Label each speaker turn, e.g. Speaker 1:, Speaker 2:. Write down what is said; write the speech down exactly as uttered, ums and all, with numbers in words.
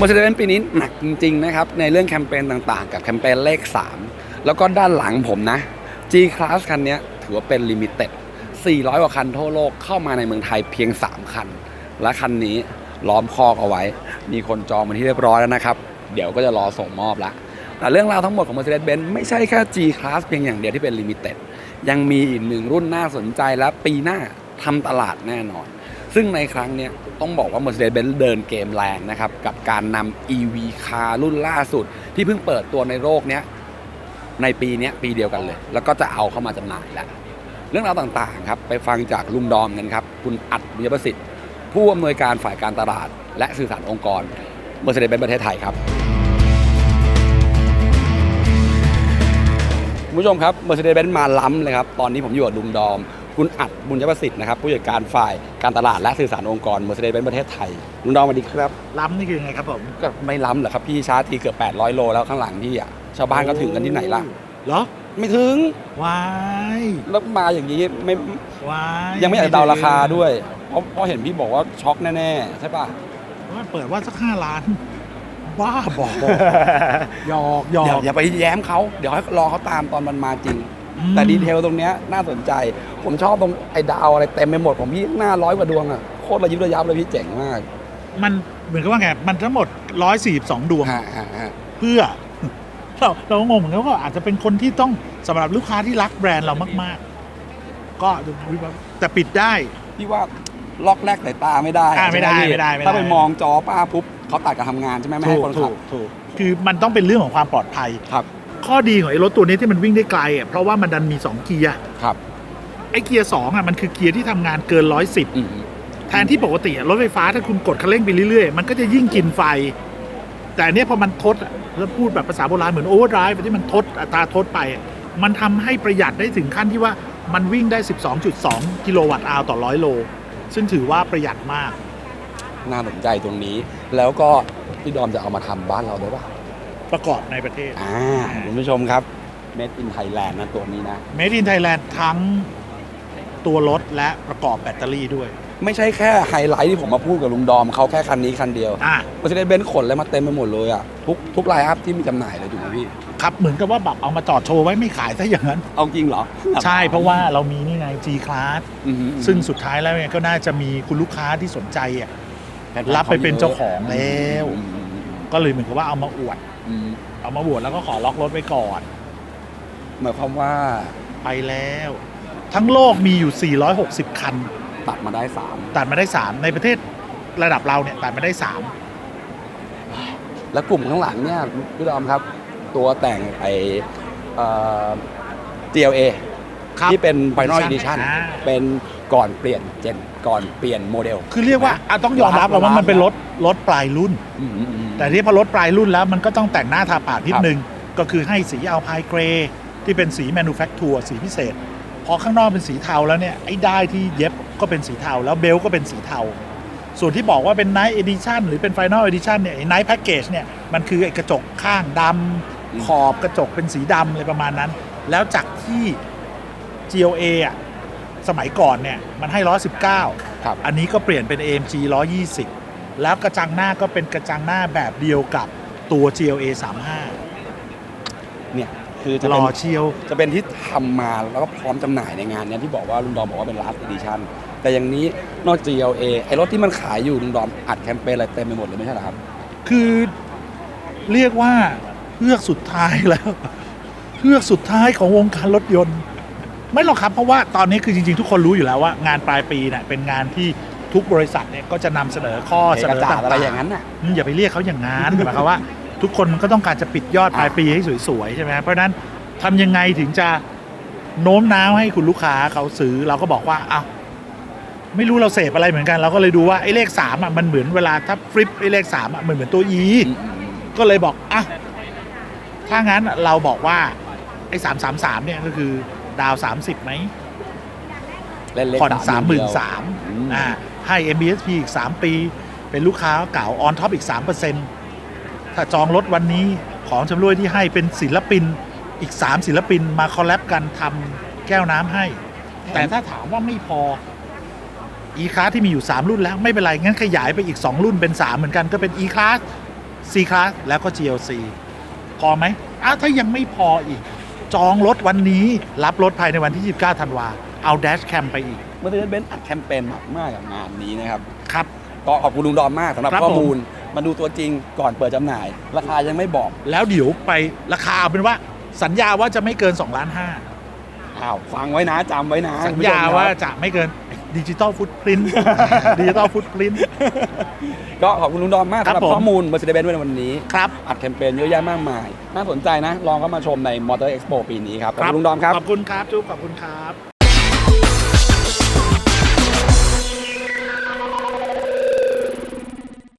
Speaker 1: Mercedes-Benz ปีนี้หนักจริงๆนะครับในเรื่องแคมเปญต่างๆกับแคมเปญเลขสามแล้วก็ด้านหลังผมนะ G-Class คันนี้ถือว่าเป็นลิมิเต็ดสี่ร้อยกว่าคันทั่วโลกเข้ามาในเมืองไทยเพียงสามคันและคันนี้ล้อมคอกเอาไว้มีคนจองมาที่เรียบร้อยแล้วนะครับเดี๋ยวก็จะรอส่งมอบละแต่เรื่องราวทั้งหมดของ Mercedes-Benz ไม่ใช่แค่ G-Class เพียงอย่างเดียวที่เป็นลิมิเต็ดยังมีอีกหนึ่งรุ่นน่าสนใจและปีหน้าทำตลาดแน่นอนซึ่งในครั้งนี้ต้องบอกว่า Mercedes-Benz เดินเกมแรงนะครับกับการนำ อี วี Car รุ่นล่าสุดที่เพิ่งเปิดตัวในโลกนี้ในปีนี้ปีเดียวกันเลยแล้วก็จะเอาเข้ามาจำหน่ายแล้วเรื่องราวต่างๆครับไปฟังจากลุงดอมกันครับคุณอัดบุญประสิทธิ์ผู้อำนวยการฝ่ายการตลาดและสื่อสารองค์กร Mercedes-Benz ประเทศไทยครับคุณผู้ชมครับ Mercedes-Benz มาล้ำเลยครับตอนนี้ผมอยู่กับลุงดอมคุณอัดบุญประสิทธิ์นะครับผู้จัดการฝ่ายการตลาดและสื่อสารองค์กร Mercedes-Benz ประเทศไทยลุงดอมสวัสดีครับ
Speaker 2: ล้ำนี่คือยังไงครับผม
Speaker 1: ก็ไม่ล้ำเหรอครับพี่ชาร์จทีเกือบแปดร้อยโลแล้วข้างหลังพี่อ่ะชาวบ้านก็ถึงกันที่ไหนล่ะ
Speaker 2: เหรอ
Speaker 1: ไม่ถึง
Speaker 2: วาย
Speaker 1: แล้วมาอย่างนี้ไม่
Speaker 2: วาย
Speaker 1: ยังไม่อยากเดาราคาด้วยเพราะเพราะเห็นพี่บอกว่าช็อกแน่ๆใช่ป่ะ
Speaker 2: ว่าเปิดว่าสักห้าล้านบ้าบอกหยอกหยอก
Speaker 1: อย่าไปแย้มเขาเดี๋ยวให้รอเขาตามตอนมันมาจริงแต่ดีเทลตรงเนี้ยน่าสนใจผมชอบตรงไอ้ดาวอะไรเต็มไปหมดผมพี่หน้าร้อยกว่าดวงอ่ะโคตรระยิบระยับเลยพี่เจ๋งมาก
Speaker 2: มันเหมือนกับว่าไงมันทั้งหมดหนึ่งร้อยสี่สิบสองดวงเพื่อเราเรางงเหมือนกันว่าอาจจะเป็นคนที่ต้องสำหรับลูกค้าที่รักแบรนด์เรามากๆก็แต่ปิดได้
Speaker 1: พี่ว่าล็อกแรกสายตาไม่ได้
Speaker 2: ไม่ได้ไม่ได้
Speaker 1: ถ้าไปมองจอป้าปุ๊บเขาตัดการทำงานใช่ไหมไม่ให้คนขับ
Speaker 2: ถูกคือมันต้องเป็นเรื่องของความปลอดภัย
Speaker 1: ครับ
Speaker 2: ข้อดีของไอ้รถตัวนี้ที่มันวิ่งได้ไกลอ่ะเพราะว่ามันดันมีสองเกียร์
Speaker 1: ครับ
Speaker 2: ไอ้เกียร์สองอ่ะมันคือเกียร์ที่ทำงานเกินร้อยสิบแทนที่ปกติรถไฟฟ้าถ้าคุณกดคันเร่งไปเรื่อยๆมันก็จะยิ่งกินไฟแต่เนี้ยพอมันทดแล้วพูดแบบภาษาโบราณเหมือนโอเวอร์ไดรฟ์ที่มันทดอัตราทดไปมันทำให้ประหยัดได้ถึงขั้นที่ว่ามันวิ่งได้ สิบสองจุดสอง กิโลวัตต์อาวต่อร้อยโลซึ่งถือว่าประหยัดมาก
Speaker 1: น่าสนใจตรงนี้แล้วก็พี่ดอมจะเอามาทำบ้านเราได้ป่ะ
Speaker 2: ประกอบในประเทศ
Speaker 1: อ่าคุณผู้ชมครับ Made in Thailand นะตัวนี้นะ
Speaker 2: Made in Thailand ทั้งตัวรถและประกอบแบตเตอรี่ด้วย
Speaker 1: ไม่ใช่แค่ไฮไลท์ที่ผมมาพูดกับลุงดอมเขาแค่คันนี้คันเดียว
Speaker 2: อ่า
Speaker 1: Mercedes-Benz ขนเลยมาเต็มไปหมดเลยอ่ะทุกทุกไลน์อัพที่มีจำหน่ายเลยถูกไหมพี่
Speaker 2: ครับเหมือนกับว่าแบบเอามาจอดโชว์ไว้ไม่ขายซะอย่างนั้น
Speaker 1: เอาจริงเหรอ
Speaker 2: ใช่เพราะว่าเรามีนี่ไง G-Class ซึ่งสุดท้ายแล้วเนี่ยก็น่าจะมีคุณลูกค้าที่สนใจอ่ะรับไปเป็นเจ้าของแล้วก็เลยเหมือนกับว่าเอามาอวดเอามาอวดแล้วก็ขอล็อกรถไว้ก่อน
Speaker 1: หมายความว่า
Speaker 2: ไปแล้วทั้งโลกมีอยู่สี่ร้อยหกสิบคัน
Speaker 1: ตัดมาได้สาม
Speaker 2: ตัดมาได้สามในประเทศระดับเราเนี่ยตัดมาได้สาม
Speaker 1: แล้วกลุ่มข้างหลังเนี่ยพี่ดอมครับตัวแต่งไอเอ่อ จี แอล เอ ที่เป็น Final Edition เป็นก่อนเปลี่ยนเจนก่อนเปลี่ยนโมเดล
Speaker 2: คือเรียกว่าต้องยอมรับว่ามันเป็นรถรถปลายรุ่นแต่ที่พอรถปลายรุ่นแล้วมันก็ต้องแต่งหน้าทาปากนิดนึงก็คือให้สีอัลไพน์เกรย์ที่เป็นสีแมนูแฟคชัวร์สีพิเศษพอข้างนอกเป็นสีเทาแล้วเนี่ยไอ้ด้ายที่เย็บก็เป็นสีเทาแล้วเบลก็เป็นสีเทาส่วนที่บอกว่าเป็น Night Edition หรือเป็น Final Edition เนี่ยไอ้ Night Package เนี่ยมันคือไอ้กระจกข้างดำขอบกระจกเป็นสีดำอะไรประมาณนั้นแล้วจากที่ จี แอล เอ อ่ะสมัยก่อนเนี่ยมันให้หนึ่งร้อยสิบเก้า
Speaker 1: ครับ
Speaker 2: อันนี้ก็เปลี่ยนเป็น เอ เอ็ม จี หนึ่งร้อยยี่สิบแล้วกระจังหน้าก็เป็นกระจังหน้าแบบเดียวกับตัว จี แอล เอ สามสิบห้า
Speaker 1: เนี่ยคือจะ
Speaker 2: ร
Speaker 1: เป็น
Speaker 2: อเชียว
Speaker 1: จะเป็นที่ทำมาแล้วก็พร้อมจำหน่ายในงานนี้ที่บอกว่าลุงดอมบอกว่าเป็น last edition แต่อย่างนี้นอกจาก จี แอล เอ ไอ้รถที่มันขายอยู่ลุงดอมอัดแคมเปญอะไรเต็มไปหมดเลยไม่ใช่เหรอครับ
Speaker 2: คือเรียกว่าเพื่อสุดท้ายแล้วเพื่อสุดท้ายของวงการรถยนต์ไม่หรอกครับเพราะว่าตอนนี้คือจริงๆทุกคนรู้อยู่แล้วว่างานปลายปีเนี่ยเป็นงานที่ทุกบริษัทเนี่ยก็จะนำเสนอข้อเสนอต่างๆ
Speaker 1: อะไรอย่างนั้นน่ะ
Speaker 2: อย่าไปเรียกเขาอย่างนั้นหมายความว่าทุกคนมันก็ต้องการจะปิดยอดปลายปีให้สวยๆใช่ไหมเพราะนั้นทำยังไงถึงจะโน้มน้าวให้คุณลูกค้าเขาซื้อเราก็บอกว่าอ้าวไม่รู้เราเสพอะไรเหมือนกันเราก็เลยดูว่าไอ้เลขสามอ่ะมันเหมือนเวลาถ้าฟลิปไอ้เลขสามอ่ะมันเหมือนตัว E ก็เลยบอกอ่ะถ้างั้นเราบอกว่าไอ้สามสามสามเนี่ยก็คือดาวสามสิบไหมผ่อนสามหมื่นสามอ่าให้ เอ็ม บี เอส พี อีกสามปีเป็นลูกค้าเก่าออนท็อปอีก สามเปอร์เซ็นต์ ถ้าจองรถวันนี้ของชำร่วยที่ให้เป็นศิลปินอีกสามศิลปินมาคอลแลบกันทำแก้วน้ำให้แต่ถ้าถามว่าไม่พอ E-Class ที่มีอยู่สามรุ่นแล้วไม่เป็นไรงั้นขยายไปอีกสองรุ่นเป็นสามเหมือนกันก็เป็น E-Class C-Class แล้วก็ จี แอล ซี พอไหมอ้าวถ้ายังไม่พออีก จองรถวันนี้รับรถภายในวันที่ยี่สิบเก้าธันวาเอาแดชแคมไปอีก
Speaker 1: Mercedes-Benz อัดแคมเปญมากๆกับงานนี้นะครับ
Speaker 2: ครับ
Speaker 1: ก็ขอบคุณลุงดอมมากสำหรับ
Speaker 2: ครับ
Speaker 1: ข้อ
Speaker 2: ผม
Speaker 1: มูลมาดูตัวจริงก่อนเปิดจำหน่าย ราคายังไม่บอก
Speaker 2: แล้วเดี๋ยวไปราคาเอาเป็นว่าสัญญาว่าจะไม่เกิน2ล้านห้า
Speaker 1: อ้าวฟังไว้นะจำไว้นะ
Speaker 2: สัญญาว่าจะไม่เกินดิจิตอลฟุตพริ้นดิจิตอลฟุตพริ้น
Speaker 1: ก็ขอบคุณลุงดอมมาก
Speaker 2: ครั
Speaker 1: สำห
Speaker 2: บ
Speaker 1: รับ
Speaker 2: ผม
Speaker 1: ข้อมูล Mercedes-Benz ในวันนี้
Speaker 2: ครับ
Speaker 1: อัดแคมเปญเยอะแยะมากมาย น่าสนใจนะ ลองเข้ามาชมใน Motor Expo ปีนี้ครับ ขอบคุณลุงดอมครับ
Speaker 2: ขอบคุณครับจุ๊บขอบคุณครับ